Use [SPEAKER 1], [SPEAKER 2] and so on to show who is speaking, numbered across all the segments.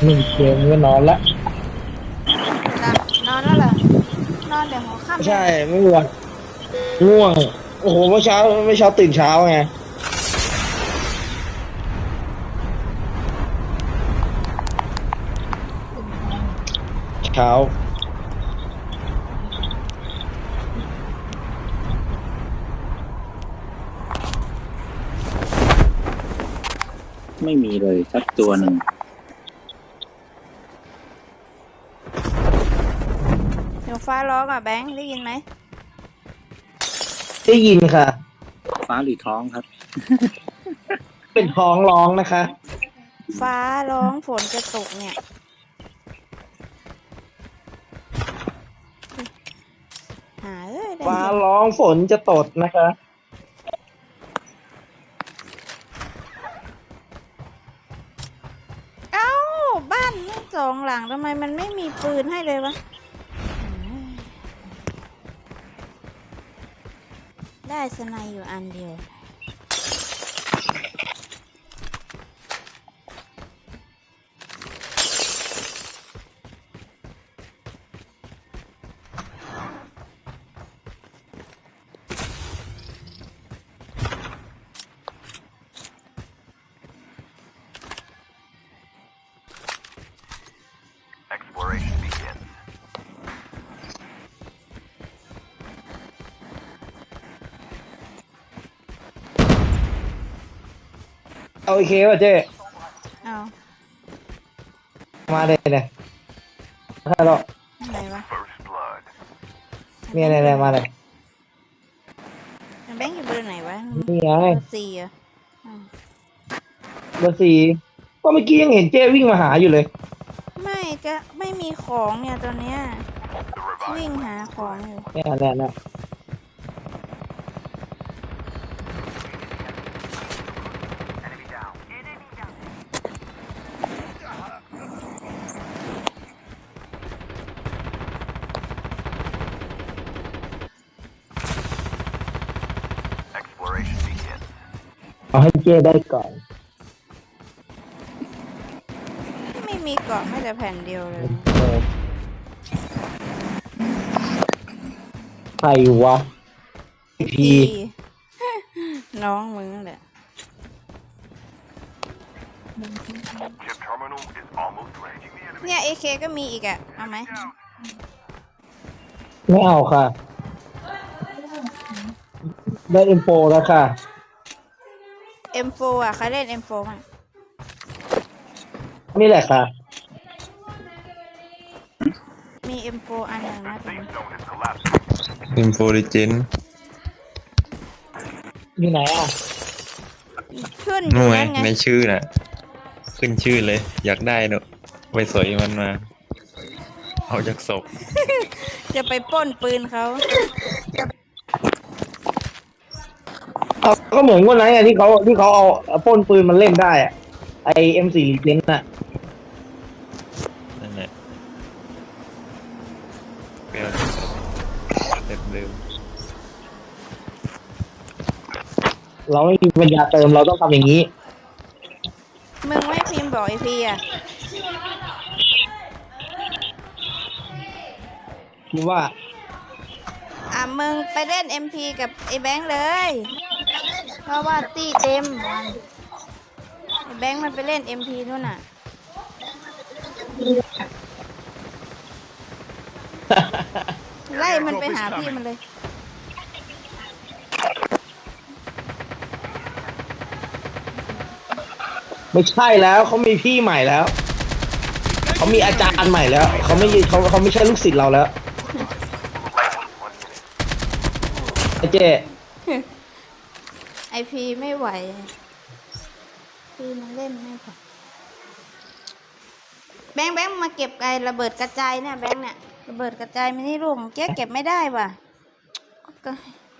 [SPEAKER 1] 1 เกมก็นอนละ
[SPEAKER 2] เวลานอนแล้วเหรอนอนเดี๋ยวหัวค่ำ
[SPEAKER 1] ใช่
[SPEAKER 2] เนี่ย
[SPEAKER 1] ไม่ง่วงง่วงโอ้โหเมื่อเช้าตื่นเช้าไงเช้า
[SPEAKER 3] ไม่มีเลยสักตัวหนึ่ง
[SPEAKER 2] เดี๋ยวฟ้าร้องอ่ะแบงค์ได้ยินไหม
[SPEAKER 1] ได้ยินค่ะ
[SPEAKER 3] ฟ้าหรือท้องครับ
[SPEAKER 1] เป็นท้องร้องนะคะ
[SPEAKER 2] ฟ้าร้องฝนจะตกเนี่ยหาได้
[SPEAKER 1] ฟ้า
[SPEAKER 2] ยิน
[SPEAKER 1] ร้องฝนจะตดนะคะ
[SPEAKER 2] เอ้าบ้านทั้งสองหลังทำไมมันไม่มีปืนให้เลยวะได้สไนอยู่อันเดียว
[SPEAKER 4] Exploration begins.
[SPEAKER 1] เอาโอเคป่ะเจ๊
[SPEAKER 2] เอา
[SPEAKER 1] มาเลยเนี่ยใช่หรอก
[SPEAKER 2] อะไรวะ
[SPEAKER 4] First blood.
[SPEAKER 1] เนี่ยมาเลย
[SPEAKER 2] แบงค์อยู่เบอร์ไหนวะ
[SPEAKER 1] นี่ไง
[SPEAKER 2] เบอร์สี่อ่ะอืม
[SPEAKER 1] เบอร์ 4ก็เมื่อกี้ยังเห็นเจ๊วิ่งมาหาอยู่เลย
[SPEAKER 2] ไม่ก็ไม่มีของเนี่ยตอนเนี้ย
[SPEAKER 4] The revival.
[SPEAKER 2] วิ่งหาของอยู่
[SPEAKER 1] เนี่ย
[SPEAKER 4] Exploration begins.
[SPEAKER 1] เอาให้เจ๊ได้ก่อน
[SPEAKER 2] ไม่มีเกาะไม่แต่แผ่นเดียวเลย
[SPEAKER 1] เออใครวะพี
[SPEAKER 2] น้องมึงนั่นแหละ
[SPEAKER 4] Chip terminal is almost ready.
[SPEAKER 2] เนี่ยเอเคก็มีอีกอ่ะเอาไหม
[SPEAKER 1] ไม่เอาค่ะ ได้เอ็มโฟแล้วค่ะ
[SPEAKER 2] M4 อ่ะใครเล่น M4 มั้ง
[SPEAKER 1] นี่แหละค่ะ
[SPEAKER 2] มี M4 อันหนึ่งนะตรงนี้
[SPEAKER 4] Zone is collapsing.
[SPEAKER 5] อินโฟลิเจน
[SPEAKER 1] อยู่ไหนอ่ะ
[SPEAKER 2] ขึ้นอ
[SPEAKER 5] นู่
[SPEAKER 2] ยู่
[SPEAKER 5] นไง
[SPEAKER 2] นั่นไง
[SPEAKER 5] ในชื่อน่ะ ขึ้นชื่อเลย อยากได้เนอะไปสอยมันมา เอาจากศพ
[SPEAKER 2] จะไปปล้นปืนเขา
[SPEAKER 1] เอาก็เหมือนวันนั้นไงที่เขาเอาปล้นปืนมันเล่นได้อ่ะไอM4 เลนน่ะ
[SPEAKER 5] นั่นแหละไปเอาจากศพเต็มเดิม
[SPEAKER 1] เราไม่มีปัญญาเติมเราต้องทำอย่างนี้
[SPEAKER 2] มึงไม่พิมพ์บอกไอพีอ่ะ
[SPEAKER 1] คิดว่า
[SPEAKER 2] มึงไปเล่น MP กับไอแบงค์เลย เพราะว่าตีเต็มไอแบงค์มันไปเล่น MP นู่นน่ะ ไล่มันไปหาพี่มันเลย
[SPEAKER 1] ไม่ใช่แล้วเขามีพี่ใหม่แล้วเขามีอาจารย์ใหม่แล้วเขาไม่ใช่ลูกศิษย์เราแล้วไอ้เจ๊
[SPEAKER 2] ไอพีไม่ไหวพี่มันเล่นไม่พอแบงค์มาเก็บไอระเบิดกระจายเนี่ยแบงค์เนี่ยระเบิดกระจายมินิลูกเจ๊เก็บไม่ได้ว่ะก็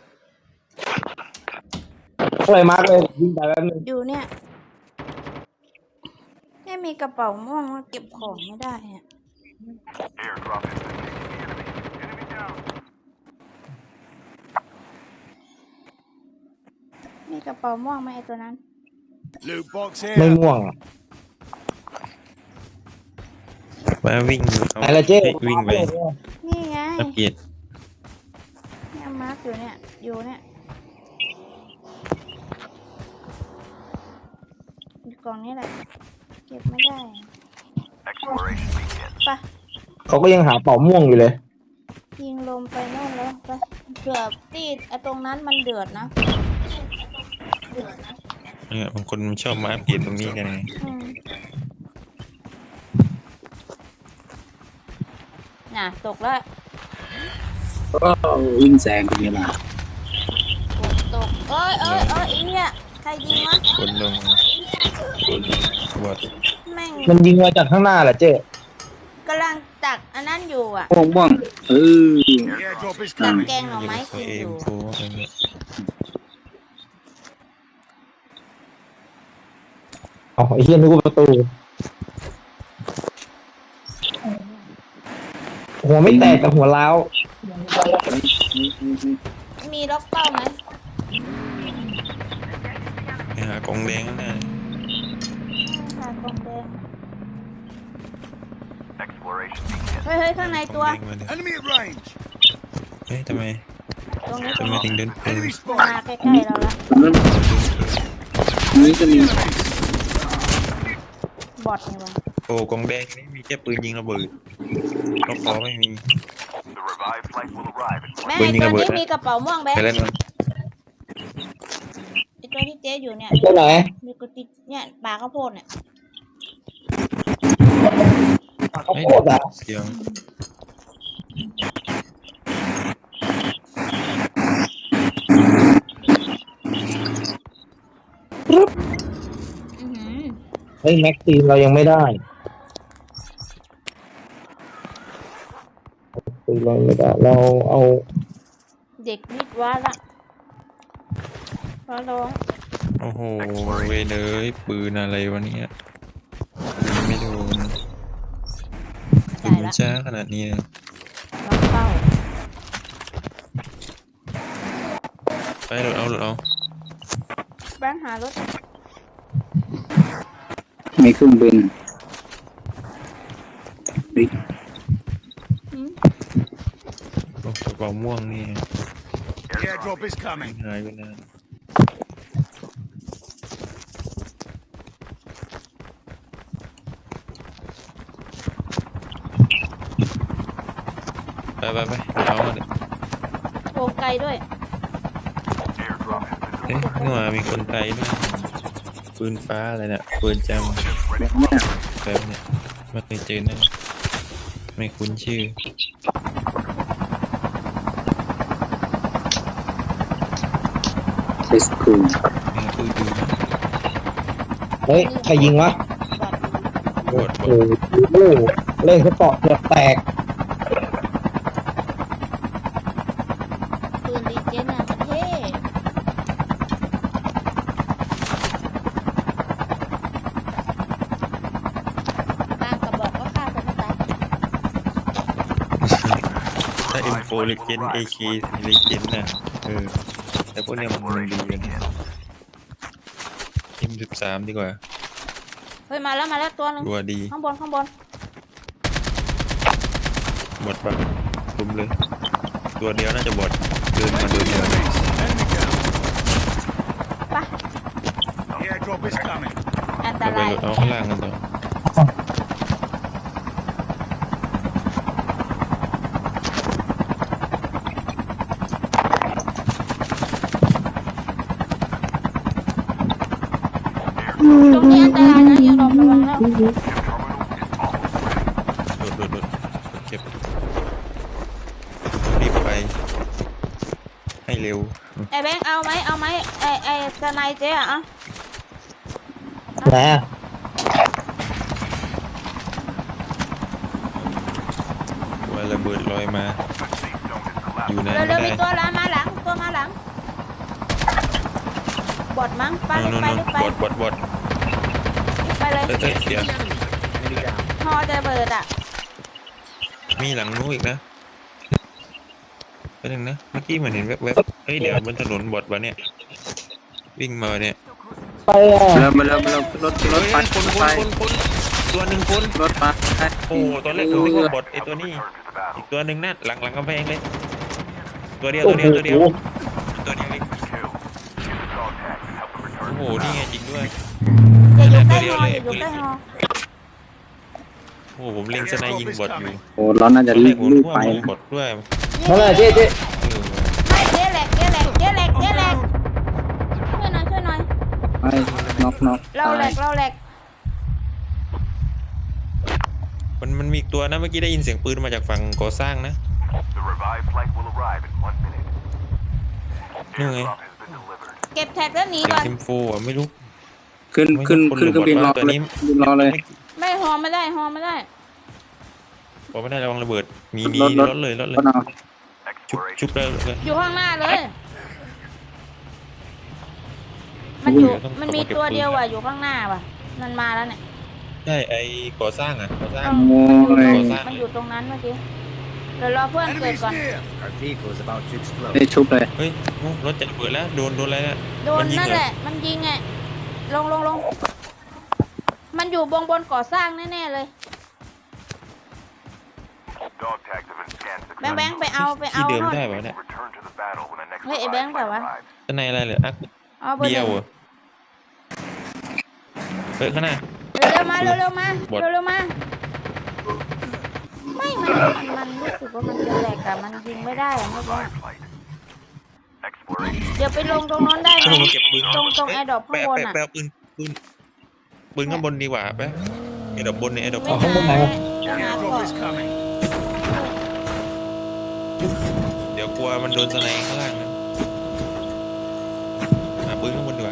[SPEAKER 1] อะไรมากเลยยิงไปแป๊บนึง
[SPEAKER 2] อยู่เนี่ยไม่มีกระเป๋าม่วงเก็บของไม่ได้อะ
[SPEAKER 4] Airdrop is taking the enemy. Enemy down.
[SPEAKER 2] มีกระเป๋าม่วงไหมไอตัวนั้น
[SPEAKER 6] Loot box
[SPEAKER 1] ไม่
[SPEAKER 6] here.
[SPEAKER 1] ง่วงอะ
[SPEAKER 5] มาวิ่งเอา
[SPEAKER 1] ไหนละเจ๊
[SPEAKER 5] ฮ้ยวิ่งไป
[SPEAKER 2] นี่ไง
[SPEAKER 5] อัปเกรด
[SPEAKER 2] เนี่ยมาร์กอยู่เนี่ยอยู่เนี่ยอยู่กล่องนี้แหละเก็บไม่ได้
[SPEAKER 4] Exploration begins.
[SPEAKER 2] ไป
[SPEAKER 1] เขาก็ยังหาเป่าม่วงอยู่เลย
[SPEAKER 2] ยิงลมไปโน่นแล้วไปเผื่อตีไอ้ตรงนั้นมันเดือดนะ
[SPEAKER 5] เนี่ยบางคนมันชอบมาอัปเกรดตรงนี้กันไง
[SPEAKER 2] อืมน่ะตกแล้ว
[SPEAKER 3] ก็วิ่งแซงเป็นเวลา
[SPEAKER 2] ตกเอ้ยอีเนี่ยใครยิงวะ
[SPEAKER 5] คนลงคนบอด
[SPEAKER 2] แม่ง
[SPEAKER 1] มันยิงมาจากข้างหน้าแหละเจ๊
[SPEAKER 2] กำลังตักอันนั้นอยู่อ่ะ
[SPEAKER 3] ม่วงม่วงเออ
[SPEAKER 4] The airdrop is
[SPEAKER 2] ตัก
[SPEAKER 4] coming.
[SPEAKER 2] แกงหน่อไม้
[SPEAKER 5] เขา
[SPEAKER 2] กิน
[SPEAKER 5] เอ
[SPEAKER 2] อ
[SPEAKER 5] ม
[SPEAKER 2] ยู่
[SPEAKER 5] โฟอะไรเงี้ย
[SPEAKER 1] อ๋อไอ้เหี้ยนึกว่าประตูหัวไม่แตกแต่หัวร้าว
[SPEAKER 2] มีล็อกเป้าไหม
[SPEAKER 5] ไปหากองแดงข้างหน้า
[SPEAKER 2] ค่ะกองแดง
[SPEAKER 4] Exploration begins.
[SPEAKER 2] เฮ้ยข้างใน
[SPEAKER 5] ก
[SPEAKER 2] ตัว
[SPEAKER 5] องแดงมาเลย
[SPEAKER 4] Enemy at range.
[SPEAKER 5] เฮ้ยทำไม
[SPEAKER 2] ตรงนี้
[SPEAKER 5] ทำไมถึงเดินปืน
[SPEAKER 4] Enemy
[SPEAKER 2] มา
[SPEAKER 4] spotted.
[SPEAKER 2] ใกล้ๆเราละ
[SPEAKER 3] แล้วนี่จะมี
[SPEAKER 2] บอดนี่วะ
[SPEAKER 5] โอ้กองแดงนี่มีแค่ปืนยิงระเบิดรอบคอไม่มี
[SPEAKER 4] The revived flight will arrive in
[SPEAKER 2] แม่
[SPEAKER 5] ปืน
[SPEAKER 2] ไอ้
[SPEAKER 5] ยิง
[SPEAKER 2] ตัว
[SPEAKER 5] ระเบิด
[SPEAKER 2] นี้
[SPEAKER 5] นะ
[SPEAKER 2] มีกระเป๋าม่วงแบง
[SPEAKER 5] ไป
[SPEAKER 2] ค์
[SPEAKER 5] เล่นมัน
[SPEAKER 2] ไอ้ตัวที่เจ๊อยู่เนี่ย
[SPEAKER 1] ตัวไหน
[SPEAKER 2] มีกระติกเนี่ยปลาข้าวโพดเนี่ย
[SPEAKER 1] เขาโคตรอะ
[SPEAKER 5] เสียง
[SPEAKER 2] อื้อหือ
[SPEAKER 1] เฮ้ยแม็กซีนเรายังไม่ได้ปืนเราไม่ได้เราเอา
[SPEAKER 2] เด็กวิทย์วะละร้อง
[SPEAKER 5] โอ้โหเวยเลยปืนอะไรวะเนี่ยไม่โดนปืนมันช้าขนาดนี้เลย
[SPEAKER 2] ล็อกเป้า
[SPEAKER 5] ไปหลุดเอา
[SPEAKER 2] แบงค์หารถ
[SPEAKER 3] มีเครื่องบินเฮ้ย
[SPEAKER 2] หืม
[SPEAKER 5] โอ้กระเป๋าม่วงนี่
[SPEAKER 4] The airdrop is coming.
[SPEAKER 5] หายไปนานไปเอามาเลย
[SPEAKER 2] โกไกลด้วย
[SPEAKER 4] Airdrop has been
[SPEAKER 5] เอ๊ะนี่หว่ามีคนไทยด้วยปืนฟ้าอะไรเนี่ยปืนจำ
[SPEAKER 3] แบบเนี้ย
[SPEAKER 5] แบบเนี่ยไม่เคยเจอนะไม่คุ้นชื่อ
[SPEAKER 3] เทสคูล
[SPEAKER 5] ไม่คุ้นดูนะ
[SPEAKER 1] เฮ้ยใครยิงวะ
[SPEAKER 5] บอด
[SPEAKER 1] โอ้โหเล่นสปอร์ตเกือบแตก
[SPEAKER 2] ปืนดีเจนน่ะมันเท่บางกระบอกก็ฆ่าคนไม่ตาย
[SPEAKER 5] ถ้า M4 Legend AK Legend นะแต่พวกเนี้ยมันดีกัน M13 ดีกว่า
[SPEAKER 2] เฮ้ยมาแล้วตัวหนึง
[SPEAKER 5] ตัวดี
[SPEAKER 2] ข้างบน
[SPEAKER 5] บอดปะคุมเลย ตัวเดียวน่าจะบอดเดินมาตัวเดียว
[SPEAKER 4] Enemy down.
[SPEAKER 2] ไป
[SPEAKER 4] The airdrop is coming.
[SPEAKER 2] อันต
[SPEAKER 5] เอาไป
[SPEAKER 2] ราย
[SPEAKER 5] เอาข้างล่างกันต่อ
[SPEAKER 2] ตรงนี้อันตรายนะอย่าหลบระวังแล้ว
[SPEAKER 5] โดดเก็บรีบไป ให้เร็ว
[SPEAKER 2] ไอ้แบงค์เอาไหมไอ้สไนเจ๊อะ
[SPEAKER 1] ไหนอะ
[SPEAKER 5] ว่าระเบิดลอยมา
[SPEAKER 4] The safe zone is collapsing.
[SPEAKER 5] อยู่ไหน
[SPEAKER 2] เร็
[SPEAKER 5] ไม่
[SPEAKER 2] วๆมี
[SPEAKER 5] ได้
[SPEAKER 2] ตัวมาหลังบอดมั้งไป
[SPEAKER 5] นู่น
[SPEAKER 2] รีบไป
[SPEAKER 5] บอด
[SPEAKER 2] ไปเลย
[SPEAKER 5] เดี๋ยว
[SPEAKER 2] ฮอจะเบิดอ่ะ
[SPEAKER 5] มีหลังนู้นอีกนะไปหนึ่งนะ เมื่อกี้เหมือนเห็นแวบๆเฮ้ยเดี๋ยวบนถนนบอดวะเนี่ย วิ่งมาเนี่ย
[SPEAKER 1] ไปอ่ะ
[SPEAKER 3] มาแล้วรถ
[SPEAKER 5] เฮ้ย
[SPEAKER 3] ไฟ
[SPEAKER 5] คน
[SPEAKER 3] ไฟ
[SPEAKER 5] ตัวตัวหนึ่งคุณ
[SPEAKER 3] รถมา
[SPEAKER 5] โอ้ตอนแรกผมนึกว่าบอทไอ้ตัวนี้อีกตัวหนึ่งนั่นหลังกำแพงเลยตัวเดียว
[SPEAKER 1] โอ้
[SPEAKER 5] ตัว
[SPEAKER 1] โห
[SPEAKER 5] เดียวตัวเดียวเอง
[SPEAKER 4] Kill. Use the dog tag to help them return
[SPEAKER 5] โอ้
[SPEAKER 4] to
[SPEAKER 5] โห
[SPEAKER 4] the
[SPEAKER 5] นี่
[SPEAKER 4] battle.
[SPEAKER 5] ไงจริงด้วย
[SPEAKER 2] อย่าอยู่ใกล้ฮออย่าอยู่ใกล้ฮอ
[SPEAKER 5] โอ้โหผมเล็งสไนยิงบอทอยู่
[SPEAKER 3] โอ้เราน่า
[SPEAKER 5] ต
[SPEAKER 3] จะ
[SPEAKER 5] อนแร
[SPEAKER 3] รี
[SPEAKER 5] ก
[SPEAKER 3] บ
[SPEAKER 5] ผม
[SPEAKER 3] รี
[SPEAKER 5] นึ
[SPEAKER 3] บ
[SPEAKER 5] กว่า
[SPEAKER 3] ไป
[SPEAKER 5] มัน
[SPEAKER 3] นะ
[SPEAKER 5] บอทด้วย
[SPEAKER 1] นั่นแหละเจ๊
[SPEAKER 2] ไม่เจ๊แหลกช่วยหน่อยช่วยหน่อย
[SPEAKER 3] ไปน็อก
[SPEAKER 2] เราแหล
[SPEAKER 3] ตาย
[SPEAKER 2] กเราแหลก
[SPEAKER 5] มันมีอีกตัวนะเมื่อกี้ได้ยินเสียงปืนมาจากฝั่งก่อสร้างนะ
[SPEAKER 4] The revived flight will arrive in 1 minute.
[SPEAKER 5] นี่ไง
[SPEAKER 4] Airdrop has been delivered.
[SPEAKER 2] เก็บแท็กแล้วหนี
[SPEAKER 5] เสียง
[SPEAKER 2] ก่อน
[SPEAKER 5] ซิมโฟอ่ะไม่รู้
[SPEAKER 3] ขึ้นเครื่องบินรอเลยบินรอเลย
[SPEAKER 2] ไม่ฮอไม่ได้ฮอไม่ได้
[SPEAKER 5] บอกไม่ได้ระวังระเบิดมี
[SPEAKER 3] รถ
[SPEAKER 5] รถเลย
[SPEAKER 3] รถเอา
[SPEAKER 5] ชุบ
[SPEAKER 4] Exploration.
[SPEAKER 5] เลย
[SPEAKER 2] อยู่ข้างหน้าเลย มันอยู่มันมีตัวเดียวว่ะอยู่ข้างหน้าว่ะมันมาแล้วเนี่ย
[SPEAKER 5] ใช่ไอ้ก่อสร้างอ่ะก่อสร้าง
[SPEAKER 3] โอ้ย
[SPEAKER 2] มันอยู่ตรงนั้นเมื่อกี้เดี๋ยวรอเพื่อนเกิดก่อน
[SPEAKER 6] Our vehicle is about to explode.
[SPEAKER 3] ได้ชุบเลย
[SPEAKER 5] เฮ้ยรถจะระเบิดแล้วโดนอะไรนะ
[SPEAKER 2] โดนนั่นแหละ มันยิงไงลงมันอยู่บนก่อสร้างแน่ๆเลย
[SPEAKER 4] Dog tags have been scanned
[SPEAKER 2] แบงค์ไปเอา
[SPEAKER 5] ที่เดิม
[SPEAKER 2] โน่น
[SPEAKER 5] ได้ป่ะเนี่ย
[SPEAKER 4] Return to the battle when the next
[SPEAKER 2] เฮ้ยไอ้
[SPEAKER 4] revived
[SPEAKER 2] แบงค์
[SPEAKER 4] flight
[SPEAKER 2] เปล่าวะ
[SPEAKER 4] arrives.
[SPEAKER 5] ข้างในอะไรเหรออัก
[SPEAKER 2] เอาเบอร์
[SPEAKER 5] เดี
[SPEAKER 2] ห
[SPEAKER 5] ยว
[SPEAKER 2] นึ่ง
[SPEAKER 5] เหรอเฮ้ยข้างหน้า
[SPEAKER 2] เร็วๆมาเร็วๆมา
[SPEAKER 5] บอท
[SPEAKER 2] เร็วๆมาไม่มันรู้สึกว่ามันจะแหลกอะมันยิงไม่ได้อะเมื่อกี้
[SPEAKER 4] Revived flight. Exploration.
[SPEAKER 2] เดี๋ยวไปลงตรงโน้นได้ไหม
[SPEAKER 5] ผมเก็บปืน
[SPEAKER 2] ตรงแอร์ดรอปข้างบนอะ
[SPEAKER 5] แปะปืนข้างบนดีกว่าแปะแอร์ดรอปบนเนี่ยแอร์ดรอป
[SPEAKER 2] ไม่
[SPEAKER 1] ข้างบนไหนวะ
[SPEAKER 2] หา
[SPEAKER 6] Airdrop
[SPEAKER 2] เกาะ
[SPEAKER 6] is coming.
[SPEAKER 5] เดี๋ยวกลัวมันโดนสไนข้างล่างนะหาปืนข้างบนดีกว่า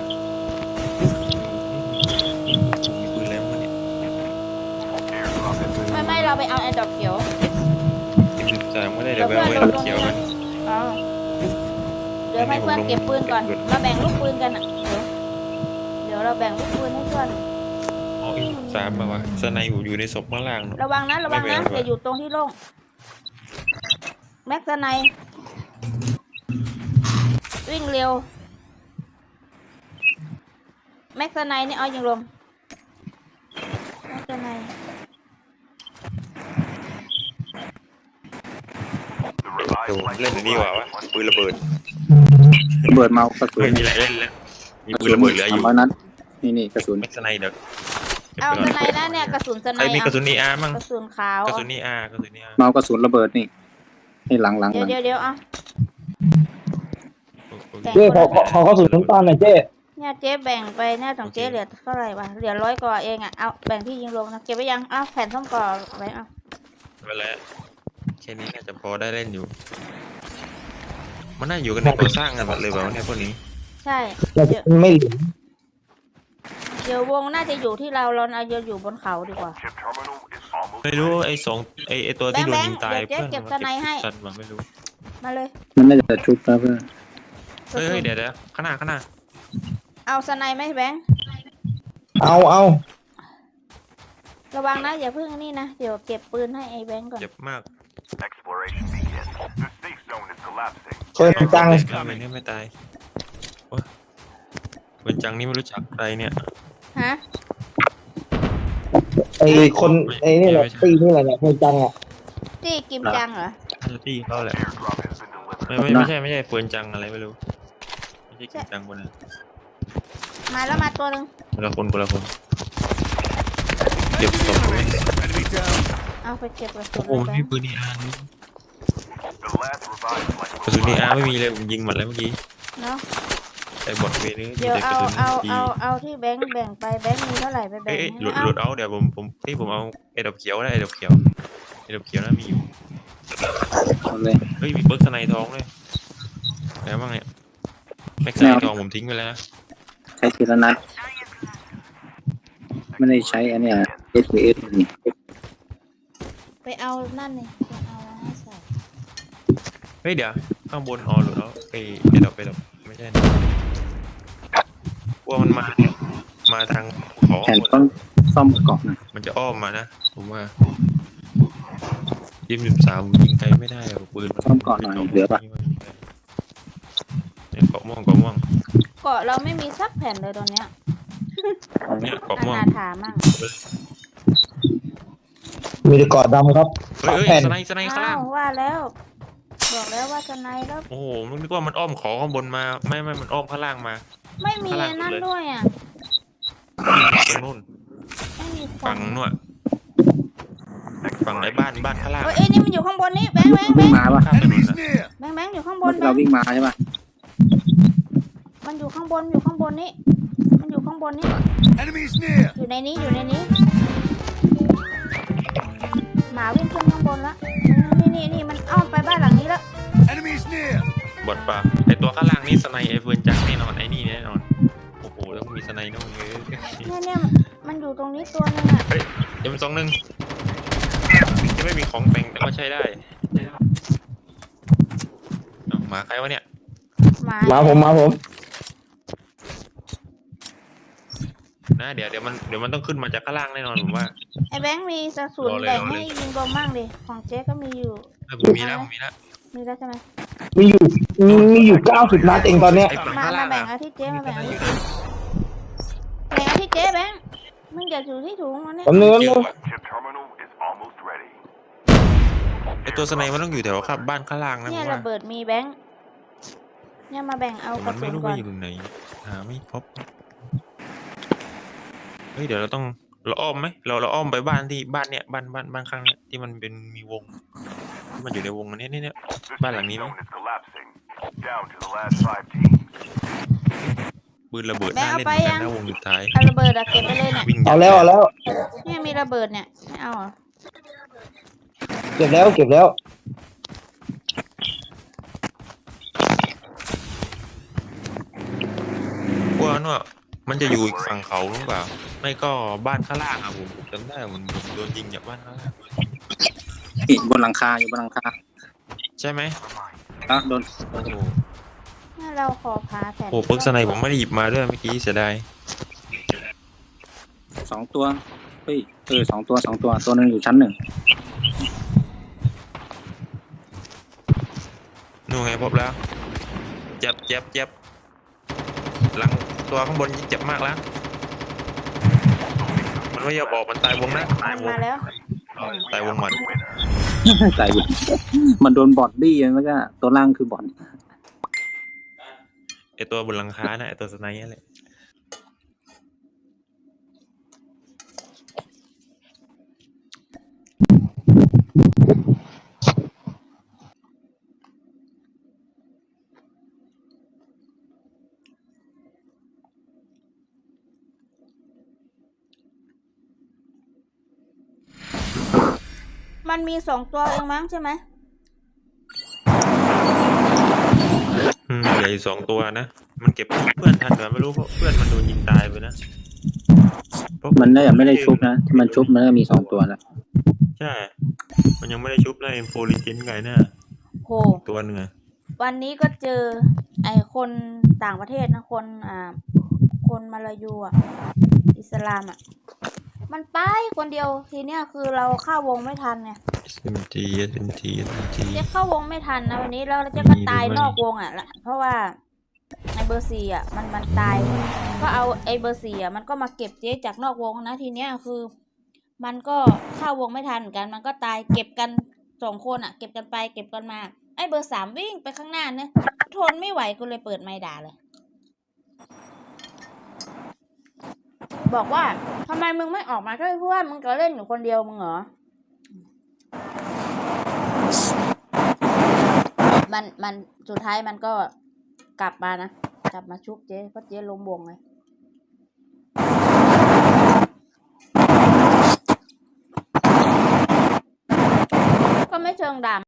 [SPEAKER 5] มีปืนอะไรบ้างเนี่ย
[SPEAKER 4] Airdrop has been
[SPEAKER 2] ไม่เราไปเอาแอร์ดรอปเขียว
[SPEAKER 5] 13ก็ได้เดี๋ยวไปเอาไว้รถเขียวกัน
[SPEAKER 2] เอาเดี๋ยวให้เพื่อนเก็บปืนก่อนมาแบ่งลูกปืนกันอะเดี๋ยวเราแบ่งลูกปืนให้เพื่อน
[SPEAKER 5] อ๋อ13มาวะสไนอยู่ในศพข้างล่างเนอะ
[SPEAKER 2] ระวังนะอย่าอยู่ตรงที่โล่งแม็กซ์ไนวิ่งเร็วแม็กซ์ไนนี่เอายิงลมแม็กซ์ไน
[SPEAKER 4] the revived
[SPEAKER 5] เดี๋ยวผม
[SPEAKER 4] flight
[SPEAKER 5] เล่น
[SPEAKER 4] will
[SPEAKER 5] อันนี้ดีกว่า
[SPEAKER 4] arrive
[SPEAKER 5] วะ
[SPEAKER 4] in 1
[SPEAKER 5] ปืนระเบิด
[SPEAKER 3] ระเบิดเมากระสุน
[SPEAKER 5] ไม่มีอะไรเล่นแล้วมีปืนระเบิดเหลืออยู่
[SPEAKER 3] 300 นัดนี่กระสุน
[SPEAKER 5] แม็กซ์ไนเดี๋ยว
[SPEAKER 2] เอาสไนนะเนี่ยกระสุนสไน
[SPEAKER 5] ใครมีกระสุนERมั่ง
[SPEAKER 2] กระสุนขาว
[SPEAKER 5] กระสุนER กระสุนER
[SPEAKER 3] เมากระสุนระเบิดนี่หลัง
[SPEAKER 2] เดี๋ยวเอา
[SPEAKER 1] เจ๊ขอเข้าสู่น้ำตาลหน่อยเจ๊
[SPEAKER 2] เนี่ยเจ๊แบ่งไปเนี่ยของเจ๊เหลือเท่าไหร่วะเหลือ100กว่าเองอ่ะเอาแบ่งที่ยิงลงนะเก็บไว้ยังเอาแผ่นส้มก่อไว้เอา
[SPEAKER 5] ไปแล้วแค่นี้น่าจะพอได้เล่นอยู่ มันน่าอยู่กันในก่อสร้างกันหมดเลยแบบว่าเนี่ยพวกนี้
[SPEAKER 2] ใช่
[SPEAKER 1] เรา
[SPEAKER 2] เดี๋ยว
[SPEAKER 1] ไม่เหลือ
[SPEAKER 2] เดี๋ยววงน่าจะอยู่ที่เราเอาอยู่บนเขาดีกว่า
[SPEAKER 4] Chip terminal is almost
[SPEAKER 5] ไม่รู้ไอ้ตัวที่โดนยิงตาย
[SPEAKER 2] แบงค์เดี๋ยวเจ๊เก็บสไนให้
[SPEAKER 5] สันมาไม่รู้
[SPEAKER 2] มาเลย
[SPEAKER 3] ๆมันน่าจะชุบแล้วเพื่อน
[SPEAKER 5] เฮ้ยเดี๋ยวข้างหน้า
[SPEAKER 2] เอาสไนไหมแบงค์
[SPEAKER 1] เอา
[SPEAKER 2] ระวังนะอย่าเพิ่งนี่นะเดี๋ยวเก็บปืนให้ไอ้แบงค์ก่อน
[SPEAKER 5] เจ็บมาก
[SPEAKER 4] exploration begins. The safe zone is collapsing.
[SPEAKER 1] เปิดจัง
[SPEAKER 5] ไม่ไม่ตายโอ้ยเวนจังนี่ไม่รู้จักใครเนี่ย
[SPEAKER 2] ฮะ
[SPEAKER 1] ไอ้คนไอ้นี่แหละตีนี่แหละเนี่ยเปิดจังอ่ะ
[SPEAKER 2] จี้กิมจังเหรอ
[SPEAKER 5] ฮันตี้เขาแหละ
[SPEAKER 4] Airdrop has been delivered.
[SPEAKER 5] ไม่ใช่เฟิร์นจังอะไรไม่รู้ไม่ใช่กิมจังคนนั้น
[SPEAKER 2] มาแล้วมาตัวหนึ่ง
[SPEAKER 5] คนละคนเก็บศพไว้
[SPEAKER 6] Enemy down.
[SPEAKER 2] เอาไปเก็บกระสุน
[SPEAKER 5] โอ้
[SPEAKER 2] เลย
[SPEAKER 5] ไม่
[SPEAKER 2] แบ
[SPEAKER 5] มี
[SPEAKER 2] งค์
[SPEAKER 5] ปืนER นี่
[SPEAKER 4] The last revived flight
[SPEAKER 5] กระสุนER ไม่มีเลยผมยิงหมดแล้วเมื่อกี้
[SPEAKER 2] เนาะ
[SPEAKER 5] ไอ้บอทเวนี่มี
[SPEAKER 2] เดี๋ยว
[SPEAKER 5] แต่ก
[SPEAKER 2] เอา
[SPEAKER 5] ระสุน
[SPEAKER 2] เอาที่แบงค์แบ่งไปแบงค์มีเท่าไหร่ไปแบ่ง
[SPEAKER 5] เอ้ย
[SPEAKER 2] ให้
[SPEAKER 5] หลุด
[SPEAKER 2] เอา
[SPEAKER 5] เอาเดี๋ยวผมเอาไอ้ดอกเขียวนะไอ้ดอกเขียวน่ามีอยู่
[SPEAKER 3] เอาเลย
[SPEAKER 5] เฮ้ยมีเบิร์กสไนทองด้วยแล้วบ้างเนี่ยแม็กไซทองผมทิ้งไปแล้วนะ
[SPEAKER 3] ใช้ทีละนัดไม่ได้ใช้อันเนี้ย SPS นี่
[SPEAKER 2] ไปเอานั่นนี่ไปเอาให้ใส่
[SPEAKER 5] เฮ้ยเดี๋ยวข้างบนอ๋อหลุดแล้วไอ้ดอกไม่ใช่นะว่ามันมาทางขอ
[SPEAKER 3] แผ่นต้องซ่อมเกาะหน่อย
[SPEAKER 5] มันจะอ้อมมานะผมว่ายิง13ยิงไกลไม่ได้หรอกปืน
[SPEAKER 3] ซ่อมเกาะหน่อยเหลือปะ
[SPEAKER 5] เนี่ยเกาะม่วง
[SPEAKER 2] เกาะเราไม่มีสักแผ่นเลยตอนเนี้ย
[SPEAKER 5] เนี่ยเกาะ
[SPEAKER 2] อ
[SPEAKER 5] ม่วง
[SPEAKER 2] นาถามั่ง
[SPEAKER 1] มีแต่เกาะดำครับ
[SPEAKER 5] เฮ้ย
[SPEAKER 1] แผ่น
[SPEAKER 5] สไนข้าง
[SPEAKER 2] อ้า
[SPEAKER 5] ล่าง
[SPEAKER 2] วว่าแล้ว บอกแล้วว่าจะไหนแล้ว
[SPEAKER 5] โอ้โหมันนึกว่ามันอ้อมขอข้างบนมาไม่มันอ้อมข้างล่างมา
[SPEAKER 2] ไม่มี
[SPEAKER 5] ข้างล่าง
[SPEAKER 2] นั่น
[SPEAKER 5] เลย
[SPEAKER 2] ด้วยอ่ะ
[SPEAKER 5] ตรงนู้น
[SPEAKER 2] ไม่มีค
[SPEAKER 5] ฝั่
[SPEAKER 2] น
[SPEAKER 5] งนู่นฝั่งไอ้บ้านข้างล่าง
[SPEAKER 2] เอ้ยนี่มันอยู่ข้างบนนี่แบงค์
[SPEAKER 3] วิ่งมาปะ
[SPEAKER 5] ข้ามถนน
[SPEAKER 6] Enemies
[SPEAKER 5] น่ะ
[SPEAKER 6] near.
[SPEAKER 2] แบงค์อยู่ข้างบนแบ
[SPEAKER 3] เรา
[SPEAKER 2] งค์
[SPEAKER 3] วิ่งมาใช่ปะ
[SPEAKER 2] มันอยู่ข้างบนนี่มันอยู่ข้างบนนี่
[SPEAKER 6] Enemies near.
[SPEAKER 2] อยู่ในนี้หมาวิ่งขึ้นข้างบนละนี่มันอ้อมไปบ้านหลังนี้แล้ว
[SPEAKER 6] Enemies near.
[SPEAKER 5] บอดปะไอตัวข้างล่างนี่สไนไอเฟิร์นจักแน่นอนไอ้นี่แน่นอนโอ้โหต้องมีสไนนู่นเลย
[SPEAKER 2] เนี่ยมันอยู่ตรงนี้ตัวนึงอ่ะ
[SPEAKER 5] เฮ้ยM21จะไม่มีของแต่งแต่ก็ใช้ได้เอ้าหมาใครวะเนี่ย
[SPEAKER 1] มาผม
[SPEAKER 5] นะเดี๋ยวมันต้องขึ้นมาจากข้างล่างแน่นอนผมว่า
[SPEAKER 2] ไอ้แบงค์มีกระสุน
[SPEAKER 5] รอเลย
[SPEAKER 2] แบ่ง
[SPEAKER 5] รอเลย
[SPEAKER 2] ให้ยิงบอมบ้างดิของเจ๊ก็มีอยู่
[SPEAKER 5] ผมมีแล้ว
[SPEAKER 2] มีแล้วใช่ไหม
[SPEAKER 1] มีอยู่90 นัดเองตอนเนี้ย
[SPEAKER 5] ไอ้ฝั่ง
[SPEAKER 2] มา
[SPEAKER 5] ข้างล่าง
[SPEAKER 2] แบ่ง
[SPEAKER 5] อะ
[SPEAKER 2] เอาที่เจ๊มาแบ่งเอาที่เจ๊แบงค์มึงอย่าอยู่ที่ถุงมันเนี่ย
[SPEAKER 1] ผมเนื้อ
[SPEAKER 5] เย
[SPEAKER 1] นึ
[SPEAKER 5] อะ
[SPEAKER 1] ง
[SPEAKER 5] ว่ะ
[SPEAKER 4] Chip terminal is almost ready.
[SPEAKER 5] ไอตัวสไนมันต้องอยู่แถวครับบ้านข้างล่างนะผ
[SPEAKER 2] เนี่ย
[SPEAKER 5] ม
[SPEAKER 2] ระ
[SPEAKER 5] ว่า
[SPEAKER 2] เบิดมีแบงค์เนี่ยมาแบ่งเอาก
[SPEAKER 5] มั
[SPEAKER 2] ระ
[SPEAKER 5] น
[SPEAKER 2] สุ
[SPEAKER 5] ไม่
[SPEAKER 2] น
[SPEAKER 5] รู้
[SPEAKER 2] ก่อ
[SPEAKER 5] ว่าน อยู่ตรงไหนหาไม่พบเฮ้ยเดี๋ยวเราอ้อมไหมเราอ้อมไปบ้านเนี่ยบ้านข้างเนี่ยที่มันเป็นมีวงที่มันอยู่ในวงอันนี้เนี่ย
[SPEAKER 4] This
[SPEAKER 5] บ้านหลังนี้ไหม
[SPEAKER 4] zone is collapsing. Down to the last 5 teams.
[SPEAKER 5] ปืนระเบิดน่าเล่นเหมือนกันนะวงสุดท้าย
[SPEAKER 2] เอาระเบิดอะเก็บไปเลยเนี่ย
[SPEAKER 5] วิ่ง
[SPEAKER 1] เอาแล้ว
[SPEAKER 2] เนี่ยมีระเบิดเนี่ยไม่เอาเหรอ
[SPEAKER 1] เก็บแล้ว
[SPEAKER 5] กลัวว่ามันจะอยู่อีกฝั่งเขาหรือเปล่าไม่ก็บ้านข้างล่างอะผมจำได้ผมโดนยิงจากบ้านข้างล่าง
[SPEAKER 3] นี่บนหลังคาอยู่บนหลังคา
[SPEAKER 5] ใช่ไหม
[SPEAKER 3] แล้วโดน
[SPEAKER 5] โอ้โห
[SPEAKER 2] เนี่ยเราขอพาแผ่น
[SPEAKER 5] โอ้ปึ๊กสไนผมไม่ได้หยิบมาด้วยเมื่อกี้เสียดาย
[SPEAKER 3] 2 ตัวเฮ้ย2 ตัวตัวหนึงอยู่ชั้น 1
[SPEAKER 5] นู่นไงพบแล้วเจ็บหลังตัวข้างบนเจ็บมากแล้วมันไม่ยอมออกมันตายวงนะตายวง
[SPEAKER 2] มาแล้ว
[SPEAKER 5] ตายวงมัน
[SPEAKER 3] ใส่มันโดนบอดบี้แล้วก็ตัวล่างคือบอด
[SPEAKER 5] ไอตัวบนหลังคาน่ะไอตัวสไนนั่นแหละ
[SPEAKER 2] มันมี2 ตัวเองมั้งใช่ไหม
[SPEAKER 5] ใหญ่2 ตัวนะมันเก็บเพื่อนทันหรือไม่รู้เพราะเพื่อนมันโดนยิงตายไปนะเพราะ
[SPEAKER 3] มันน่าจะไม่ได้ชุบนะถ้ามันชุบมันก็มี2 ตัวแล้ว
[SPEAKER 5] ใช่มันยังไม่ได้ชุบนะเอ็มโฟลิเจนไงน่ะ
[SPEAKER 2] โห
[SPEAKER 5] ตัวหนึ่งอะ
[SPEAKER 2] วันนี้ก็เจอไอ้คนต่างประเทศนะคนมาลายูอ่ะอิสลามอ่ะมันไปคนเดียวทีเนี้ยคือเราเข้าวงไม่ทันเนี่ย
[SPEAKER 5] SMG
[SPEAKER 2] เจ๊เข้าวงไม่ทันนะวันนี้แล้วเจ๊ก็ตายนอกวงอ่ะละเพราะว่าไอ้เบอร์4อ่ะมันตายก็เอาไอ้เบอร์4อ่ะมันก็มาเก็บเจ๊จากนอกวงนะทีเนี้ยคือ มันก็เข้าวงไม่ทันเหมือนกันมันก็ตายเก็บกัน2 คนอ่ะเก็บกันไปเก็บกันมาไอ้เบอร์3วิ่งไปข้างหน้าเนี่ยทนไม่ไหวกูเลยเปิดไมค์ด่าเลยบอกว่าทำไมมึงไม่ออกมาช่วยเพื่อนมึงก็เล่นอยู่คนเดียวมึงเหรอมันสุดท้ายมันก็กลับมานะกลับมาชุบเจ๊เพราะเจ๊ล้มวงไงก็ไม่เชิงด่า